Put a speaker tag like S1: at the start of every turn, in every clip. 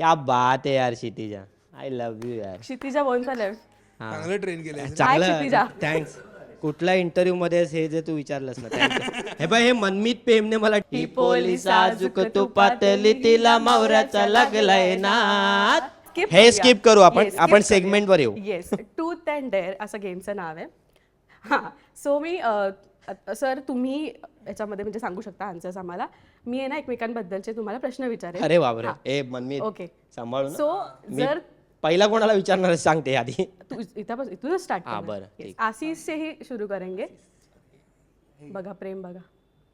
S1: क्या बात आहे यार क्षितिजा, आय लव्ह यू यार.
S2: क्षितिजा बोलचा लेफ्ट.
S3: चांगलं ट्रेन केलंय.
S1: चांगलं
S2: क्षितिजा?
S1: थँक्स. कुठल्या इंटरव्ह्यू मध्ये हे जे तू विचारलंस ना थँक्स. हे बाय हे मनमीत प्रेमने मला
S2: ही पोलिसा
S1: साजूक तू पातली तिला मावऱ्याचा लागलाय नाद.
S2: Skip
S1: हे
S2: करूया.
S1: स्किप करू आपण.
S2: Yes,
S1: आपण
S2: skip
S1: सेगमेंट वर येऊ.
S2: येस ट्रूथ अँड डेअर असं गेमचं नाव आहे. हां सो मी सर तुम्ही याच्यामध्ये म्हणजे सांगू शकता आन्सर्स आम्हाला. मी आहे ना एकमेकांबद्दलचे तुम्हाला प्रश्न विचारेन.
S1: अरे बापरे. ए मनमीत
S2: ओके
S1: सांभाळू ना.
S2: सो जर
S1: पहिला कोणाला विचारणार सांगते आधी.
S2: तू इथं स्टार्ट
S1: हां, बरं, ठीक.
S2: आशीष से ही शुरू करेंगे. बघा प्रेम बघा.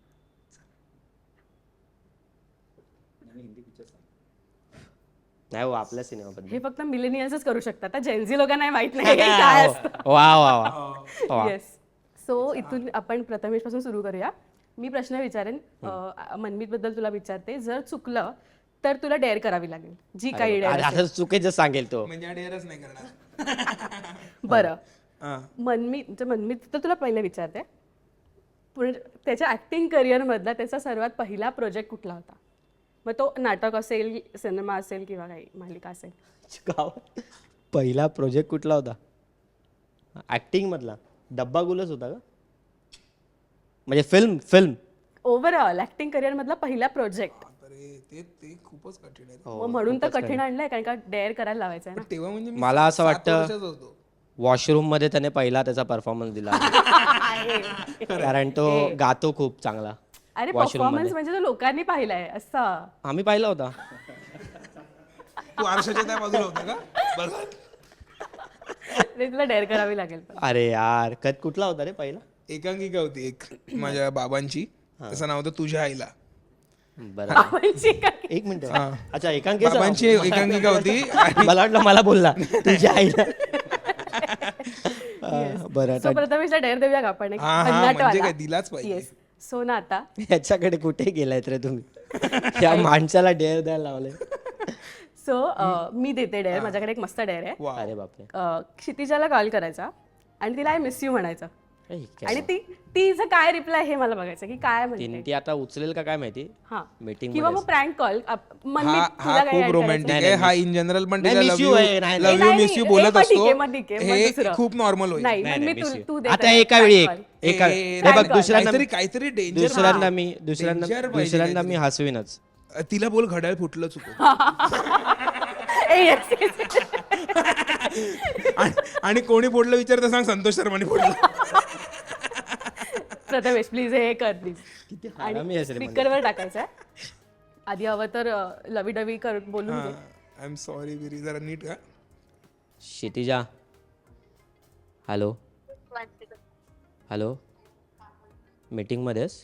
S1: नाही हो आपल्या सिनेमाबद्दल.
S2: हे फक्त मिलेनियल्सच करू शकतात. आता जेन्झी लोकांना नाही माहित नाही हे काय असतं.
S1: वा वा वा.
S2: येस सो इथून आपण प्रथमेश पासून सुरू करूया. मी प्रश्न विचारेन मनमीत बद्दल तुला विचारते. जर चुकलं तर तुला डेअर करावी लागेल जी काही
S1: अरे
S2: डेअर.
S1: आता चुकीचं सांगेल तो.
S3: म्हणजे डेअरच नाही करणार.
S2: बरं
S3: हा.
S2: मनमीत तर तुला पहिले विचारते. पुढे त्याच्या ऍक्टिंग करिअर मधला त्याचा सर्वात पहिला प्रोजेक्ट कुठला होता? मग तो नाटक असेल, सिनेमा असेल किंवा काही मालिका असेल.
S1: गाव पहिला प्रोजेक्ट कुठला होता? ऍक्टिंग मधला डब्बा गुलच होता का? म्हणजे फिल्म
S2: ओव्हरऑल ऍक्टिंग करिअर मधला पहिला प्रोजेक्ट.
S3: अरे ते खूपच कठीण आहे.
S1: हो,
S2: म्हणून तर कठीण आणलंय कारण का डेअर करायला लावायचं आहे ना.
S3: तेव्हा म्हणजे मी
S1: मला असं
S3: 7
S1: वाटतं
S3: वर्षाचा होतो.
S1: वॉशरूम मध्ये त्याने पहिला त्याचा परफॉर्मन्स दिला. कारण तो गातो खूप चांगला.
S2: अरे
S1: washroom
S2: परफॉर्मन्स म्हणजे तो लोकांनी पाहिलाय असं.
S1: आम्ही पाहिला होता.
S3: तू आरशाच्या त्या बाजूला होता का? बघा.
S2: ते तुला डेअर करावी लागेल पण.
S1: अरे यार कट कुठला होता रे पहिला?
S3: एकांकिका होती एक माझ्या बाबांची. त्याचं नाव होतं तुझ्या आईला.
S1: बरं
S2: बाबांची काय?
S1: एक मिनिट. अच्छा एकांकिका
S3: बाबांची एकांकिका होती.
S1: मला वाटलं मला बोलला तुझ्या आईला. बरं
S2: सो प्रथमेशला डेअर देऊया का आपण एक
S3: हा, हा,
S2: भन्नाटवाला?
S3: म्हणजे काय दिलाच पाहिजे.
S2: येस सो ना आता
S1: याच्याकडे कुठे गेलायत रे तुम्ही? या माणसाला डेअर द्यायला लावले.
S2: सो मी देते डेअर. माझ्याकडे एक मस्त डेअर आहे.
S3: वा.
S1: अरे बापरे.
S2: क्षितिजाला कॉल करायचा आणि तिला आय मिस यू म्हणायचं.
S1: ए, काय
S2: आणि तिचं काय रिप्लाय हे मला बघायचं की काय म्हणते.
S1: ती आता उचलेल का काय माहिती.
S2: हा
S1: मीटिंग
S2: किंवा मग प्रँक कॉल.
S3: हा हा खूप रोमॅन्टिक आहे. हा इन जनरल पण
S1: नाही,
S3: तिला
S1: miss
S3: लव्ह
S1: you
S3: यू
S1: आहे, नाही,
S3: लव्ह यू मिस यू बोलत असतो.
S2: ठीक आहे, मग
S3: हे
S2: दुसरं.
S3: खूप नॉर्मल होईल.
S2: नाही
S1: नाही,
S2: मग मी
S1: miss you.
S2: तू दे
S1: आता
S2: त्याला
S1: एका वेळी
S2: prank call.
S1: एका
S3: ए,
S1: हे बघ
S2: prank call.
S3: काहीतरी danger
S1: दुसऱ्यांदा
S3: danger
S1: मी हसवीनच.
S3: तिला बोल घड्याळ फुटलं चुकून.
S2: ए, yes, yes, yes.
S3: आणि कोणी फोडलं विचारतं सांग संतोष शर्माने फोडलं.
S2: प्रथमेश प्लीज हे कर प्लीज.
S1: किती हरामी आहेस रे
S2: स्पीकरवर टाकायचं आहे. आधी हवं तर लवी डवी कर बोलून घे.
S3: आय एम सॉरी बिरी जरा नीट का.
S1: क्षितिजा हॅलो हॅलो मीटिंग मध्येच.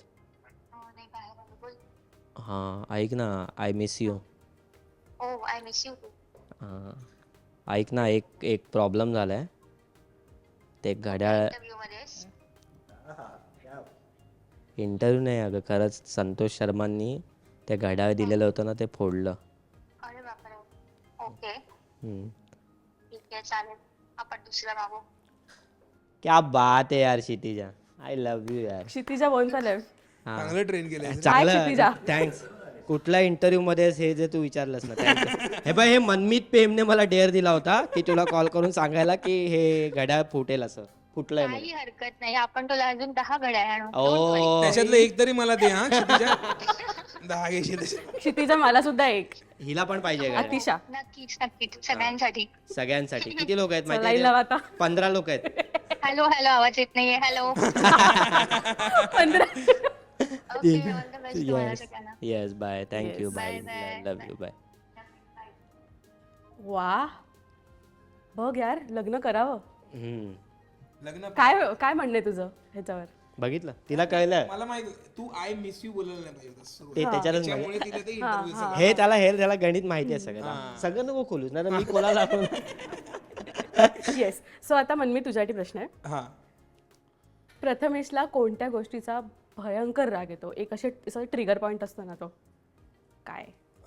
S1: हां ऐक ना I miss you.
S4: I miss you.
S1: ऐक ना एक प्रॉब्लेम झालाय. ते घड्याळ
S4: इंटरव्ह्यू मध्येच
S1: इंटरव्ह्यू नाही अगं खरंच संतोष शर्मांनी ते घड्याळ दिलेलं होतं ना ते फोडलं.
S4: अरे बापरे. ओके
S1: हम्म.
S4: ठीक आहे चालेल आपण दुसरा मागू.
S1: क्या बात आहे यार क्षितिजा, आय लव्ह यू यार.
S2: क्षितिजा बोलचा लेफ्ट.
S3: चांगलं ट्रेन केलंय.
S1: चांगलं
S2: क्षितिजा?
S1: थँक्स. कुठल्या इंटरव्ह्यू मध्ये हे जे तू विचारलंस ना थँक्स. हे बाय हे मनमीत प्रेमने मला डेअर दिला होता की तुला कॉल करून सांगायला की हे घड्याळ फुटेल असं फुटलंय म्हणून.
S4: काही हरकत नाही आपण तुला अजून 10 घड्याळ आणू.
S1: ओ
S3: त्याच्यातलं एक तरी मला दे हा क्षितिजा. 10 घेशील तसे.
S2: क्षितिजा मला सुद्धा एक.
S1: हिला पण पाहिजे घड्याळ.
S2: अतिशा
S4: नक्कीच नक्कीच सगळ्यांसाठी.
S1: सगळ्यांसाठी. किती लोक आहेत
S2: लाईन
S1: माहिती
S2: लावा
S1: आहे?
S2: आता.
S1: 15 लोक आहेत.
S4: हॅलो हॅलो आवाज येत नाहीये. Hello.
S2: 15.
S4: Okay all the best तुम्हाला सगळ्यांना.
S1: Yes bye thank you
S2: Yes.
S1: Bye
S4: Bye, bye.
S1: Love you bye.
S2: वा बघ यार लग्न करावं.
S3: लग्न
S2: काय म्हणणे तुझं ह्याच्यावर?
S1: बघितलं तिला कळलं.
S3: मला माहित तू आय मिस यू बोलायला नाही पाहिजे होतं सुरुवात.
S1: ते त्याच्यातच
S3: त्यामुळे तिला ते इंटरव्ह्यू
S1: हे त्याला गणित माहिती आहे सगळं. सगळं नको खोलूस ना मी कोणाला आपण.
S2: येस सो आता मनमी तुझ्यासाठी प्रश्न आहे.
S3: हा
S2: प्रथमेशला कोणत्या गोष्टीचा भयंकर राग येतो? एक असं ट्रिगर पॉइंट असतो ना तो काय?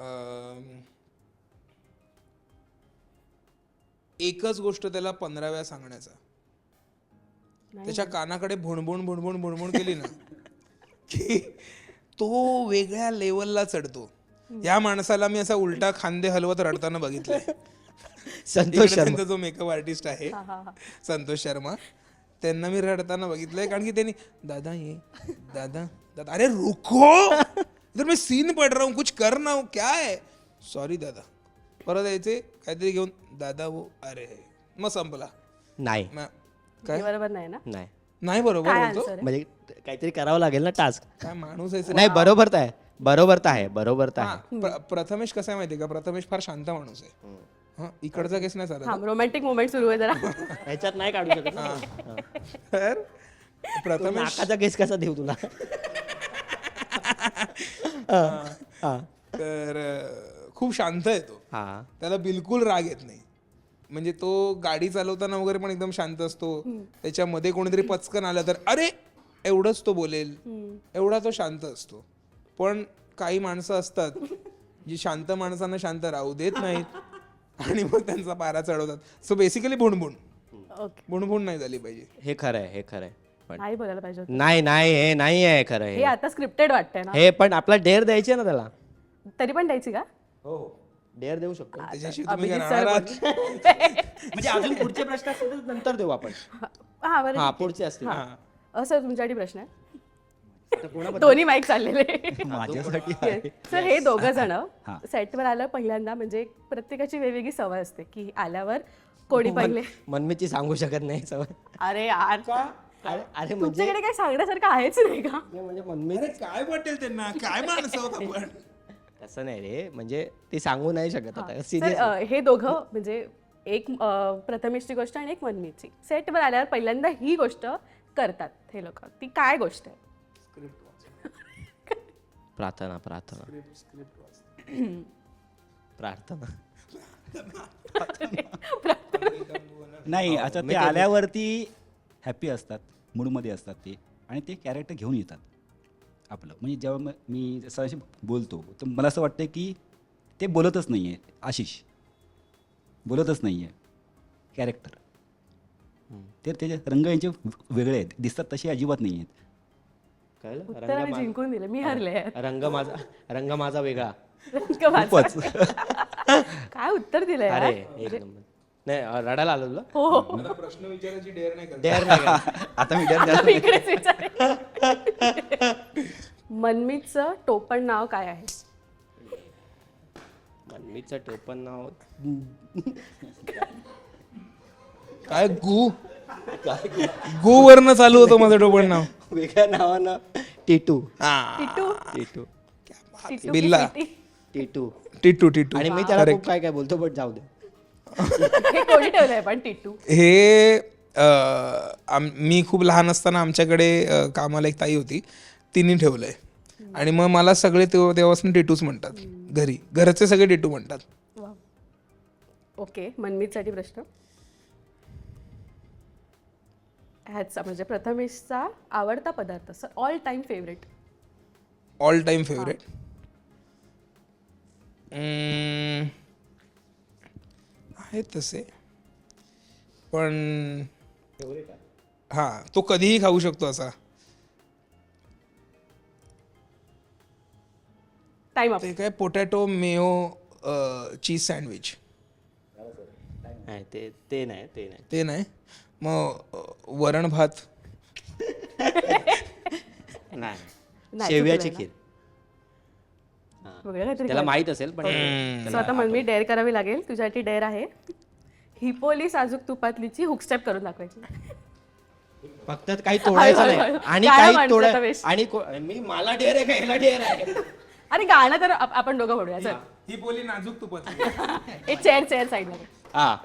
S3: एकच गोष्ट त्याला 15 वेळा सांगण्याचा. त्याच्या कानाकडे भुणभुण भुणभुण भुणभुण केली ना की तो वेगळ्या लेवलला चढतो. या माणसाला मी असा उलटा खांदे हलवत रडताना बघितलंय.
S1: संतोष
S3: इकडे
S1: शर्मा
S3: त्यांचा जो मेकअप आर्टिस्ट आहे संतोष शर्मा, त्यांना मी रडताना बघितलंय. कारण की त्यांनी दादा ये दादा दादा, अरे रुको इधर मैं सीन पढ़ रहा हूँ, कुछ कर ना हूँ, क्या है, सॉरी दादा. परत यायचे काहीतरी घेऊन दादा वो, अरे मग संपला.
S1: नाही
S3: काय
S2: बरोबर नाही ना?
S1: नाही
S3: नाही बरोबर
S2: काय
S3: बोलतो.
S2: आन्सर आहे?
S1: म्हणजे काहीतरी करावं लागेल ना टास्क.
S3: काय माणूस आहे
S1: नाही बरोबर तर आहे, बरोबर तर आहे, बरोबर तर आहे.
S3: प्रथमेश कसं आहे माहितीये का, प्रथमेश फार शांत माणूस आहे. हा, इकडचा केस नाही चालत.
S2: हा रोमॅन्टिक मोमेंट सुरू आहे जरा.
S1: ह्याच्यात नाही काढू शकत ना.
S3: तर
S1: तू
S3: प्रथमेश
S1: नाकाचा केस कसा देऊ तुला. हा
S3: तर खूप शांत आहे तो.
S1: हा
S3: त्याला बिलकुल राग येत नाही. म्हणजे तो गाडी चालवताना वगैरे पण एकदम शांत असतो. त्याच्यामध्ये कोणीतरी पचकन आलं तर अरे एवढंच तो बोलेल, एवढा तो शांत असतो. पण काही माणसं असतात जी शांत माणसांना शांत राहू देत नाहीत आणि मग त्यांचा पारा चढवतात. सो बेसिकली भुणभुण
S2: ओके,
S3: भुणभुण नाही झाली पाहिजे.
S1: हे खरं आहे, हे खरं आहे. पण
S2: नाही बोलायला पाहिजे होतं.
S1: नाही नाही हे नाही आहे खरं
S2: हे
S1: हे.
S2: आता स्क्रिप्टेड वाटतंय ना?
S1: हे पण आपला डेअर द्यायचे ना त्याला.
S2: तरी पण द्यायची का?
S1: हो डेअर देऊ शकतो.
S3: त्याच्याशी तुम्ही काय
S2: अभिजित
S3: राहणार
S2: सर
S3: आहात?
S1: म्हणजे अजून पुढचे प्रश्न असतील तर नंतर देऊ आपण.
S2: हा बरं
S1: हा
S2: ठीक
S1: पुढचे असतील.
S2: आहे. सर तुमच्यासाठी प्रश्न आहे.
S1: आता कोणाबद्दल?
S2: दोन्ही माईक चाललेले.
S5: माझ्यासाठी
S2: सर हे दोघं जण सेटवर आलं पहिल्यांदा, म्हणजे प्रत्येकाची वेगवेगळी सवय असते की आल्यावर कोणी पहिले.
S1: मनमीची सांगू शकत नाही सवय.
S2: अरे यार,
S1: अरे अरे म्हणजे
S2: तुमच्याकडे काही सांगण्यासारखं आहेच नाही का?
S1: म्हणजे मनमी
S3: अरे काय वाटेल त्यांना, काय माणसं आहोत आपण.
S1: तसं नाही रे, म्हणजे ती सांगू नाही शकत आता सिरियस.
S2: सर हे दोघं म्हणजे एक प्रथमेशची गोष्ट आणि एक मनमीची सेटवर आल्यावर पहिल्यांदा ही गोष्ट करतात हे लोक. ती काय गोष्ट आहे?
S1: प्रार्थना प्रार्थना प्रार्थना.
S5: नाही, आता ते आल्यावरती हॅपी असतात, मूडमध्ये असतात ते, आणि ते कॅरेक्टर घेऊन येतात आपलं. म्हणजे जेव्हा मी जसं बोलतो तर मला असं वाटतं की ते बोलतच नाही आहे, आशिष बोलतच नाही आहे, कॅरेक्टर. ते त्याचे रंग यांचे वेगळे आहेत, दिसतात तसे अजिबात नाही आहेत.
S1: कळलं?
S2: उत्तर आम्ही जिंकून दिलं, मी हरले.
S1: रंग माझा वेगळा.
S2: काय उत्तर दिलंय
S1: अरे
S2: यार?
S1: एक नंबर. नाही रडायला आलो तुला.
S2: हो
S3: मला प्रश्न विचारायची डेअर नाही करत.
S1: डेअर नाही का?
S5: आता मी डर
S2: आता मी इकडेच विचारेन. मनमीतचं टोपण नाव काय आहे?
S1: मनमीचं टोपण नाव
S3: काय गु गु वरनं चालू होतं माझं टोपण नाव.
S1: वेगळ्या नावानं टिटू.
S2: टिटू.
S1: टिटू
S2: टिटू की
S3: बिल्ला.
S2: स्वीटी?
S1: टिटू.
S3: टिटू टिटू.
S1: आणि मी त्याला खूप काय काय बोलतो, पण जाऊ दे.
S2: हे कोणी ठेवलंय पण टिटू?
S3: हे मी खूप लहान असताना आमच्याकडे कामाला एक ताई होती, तिने ठेवलंय. आणि मग मला सगळे तेव्हापासून टिटूच म्हणतात. घरचे सगळे टिटू म्हणतात.
S2: वा. ओके, मनमीतसाठी प्रश्न. ह्याचा म्हणजे प्रथमेशचा आवडता पदार्थ, sir all time favourite.
S3: All time favourite आहेत तसे, पण हा तो कधीही खाऊ शकतो असा.
S2: Time up.
S3: ते काय पोटॅटो मेयो चीज सँडविच.
S1: नाही ते नाही ते नाही.
S3: ते नाही. मग वरण भात.
S1: नाही शेवयाची खीर.
S2: वेगळं काहीतरी
S1: त्याला माहित असेल पण
S2: सो आता मनमी डेअर करावी लागेल. तुझ्यासाठी डेअर आहे हिपोली साजूक तुपातलीची हुकस्टेप करून दाखवायची.
S1: फक्त काही तोडायचं
S2: हळू,
S1: नाही
S2: हळू.
S1: आणि
S2: काय
S1: काही
S2: माणसं
S1: तोडाय
S2: आता वेश.
S1: आणि मी मला डेअर आहे का ह्याला डेअर आहे.
S2: अरे गाणं तर आपण दोघं म्हणूया. चल
S3: ही बोली नाजूक तुपात.
S2: एक चेअर साईडला.
S1: हा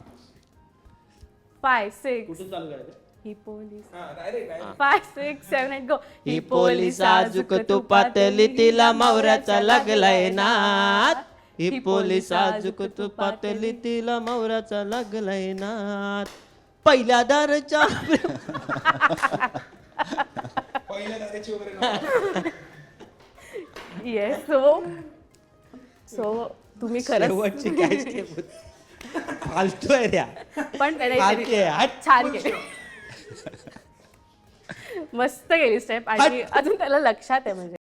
S2: 5 6
S1: कुठून चालू करायचं.
S2: हिपोली 5 6 7 8 गो.
S1: ही पोली साजूक तुपातली तिला मौऱ्याचा लागलाय नाद. ही पोली साजूक तुपातली तिला मौऱ्याचा लागलाय नाद. पहिल्या दारच्या
S2: येस. सो तुम्ही खरंच
S1: शेवटची काय स्टेप होती. फालतू आहे त्या.
S2: पण
S1: फालतू आहे. हट.
S2: छान केले. मस्त गेली स्टेप आणि अजून त्याला लक्षात आहे म्हणजे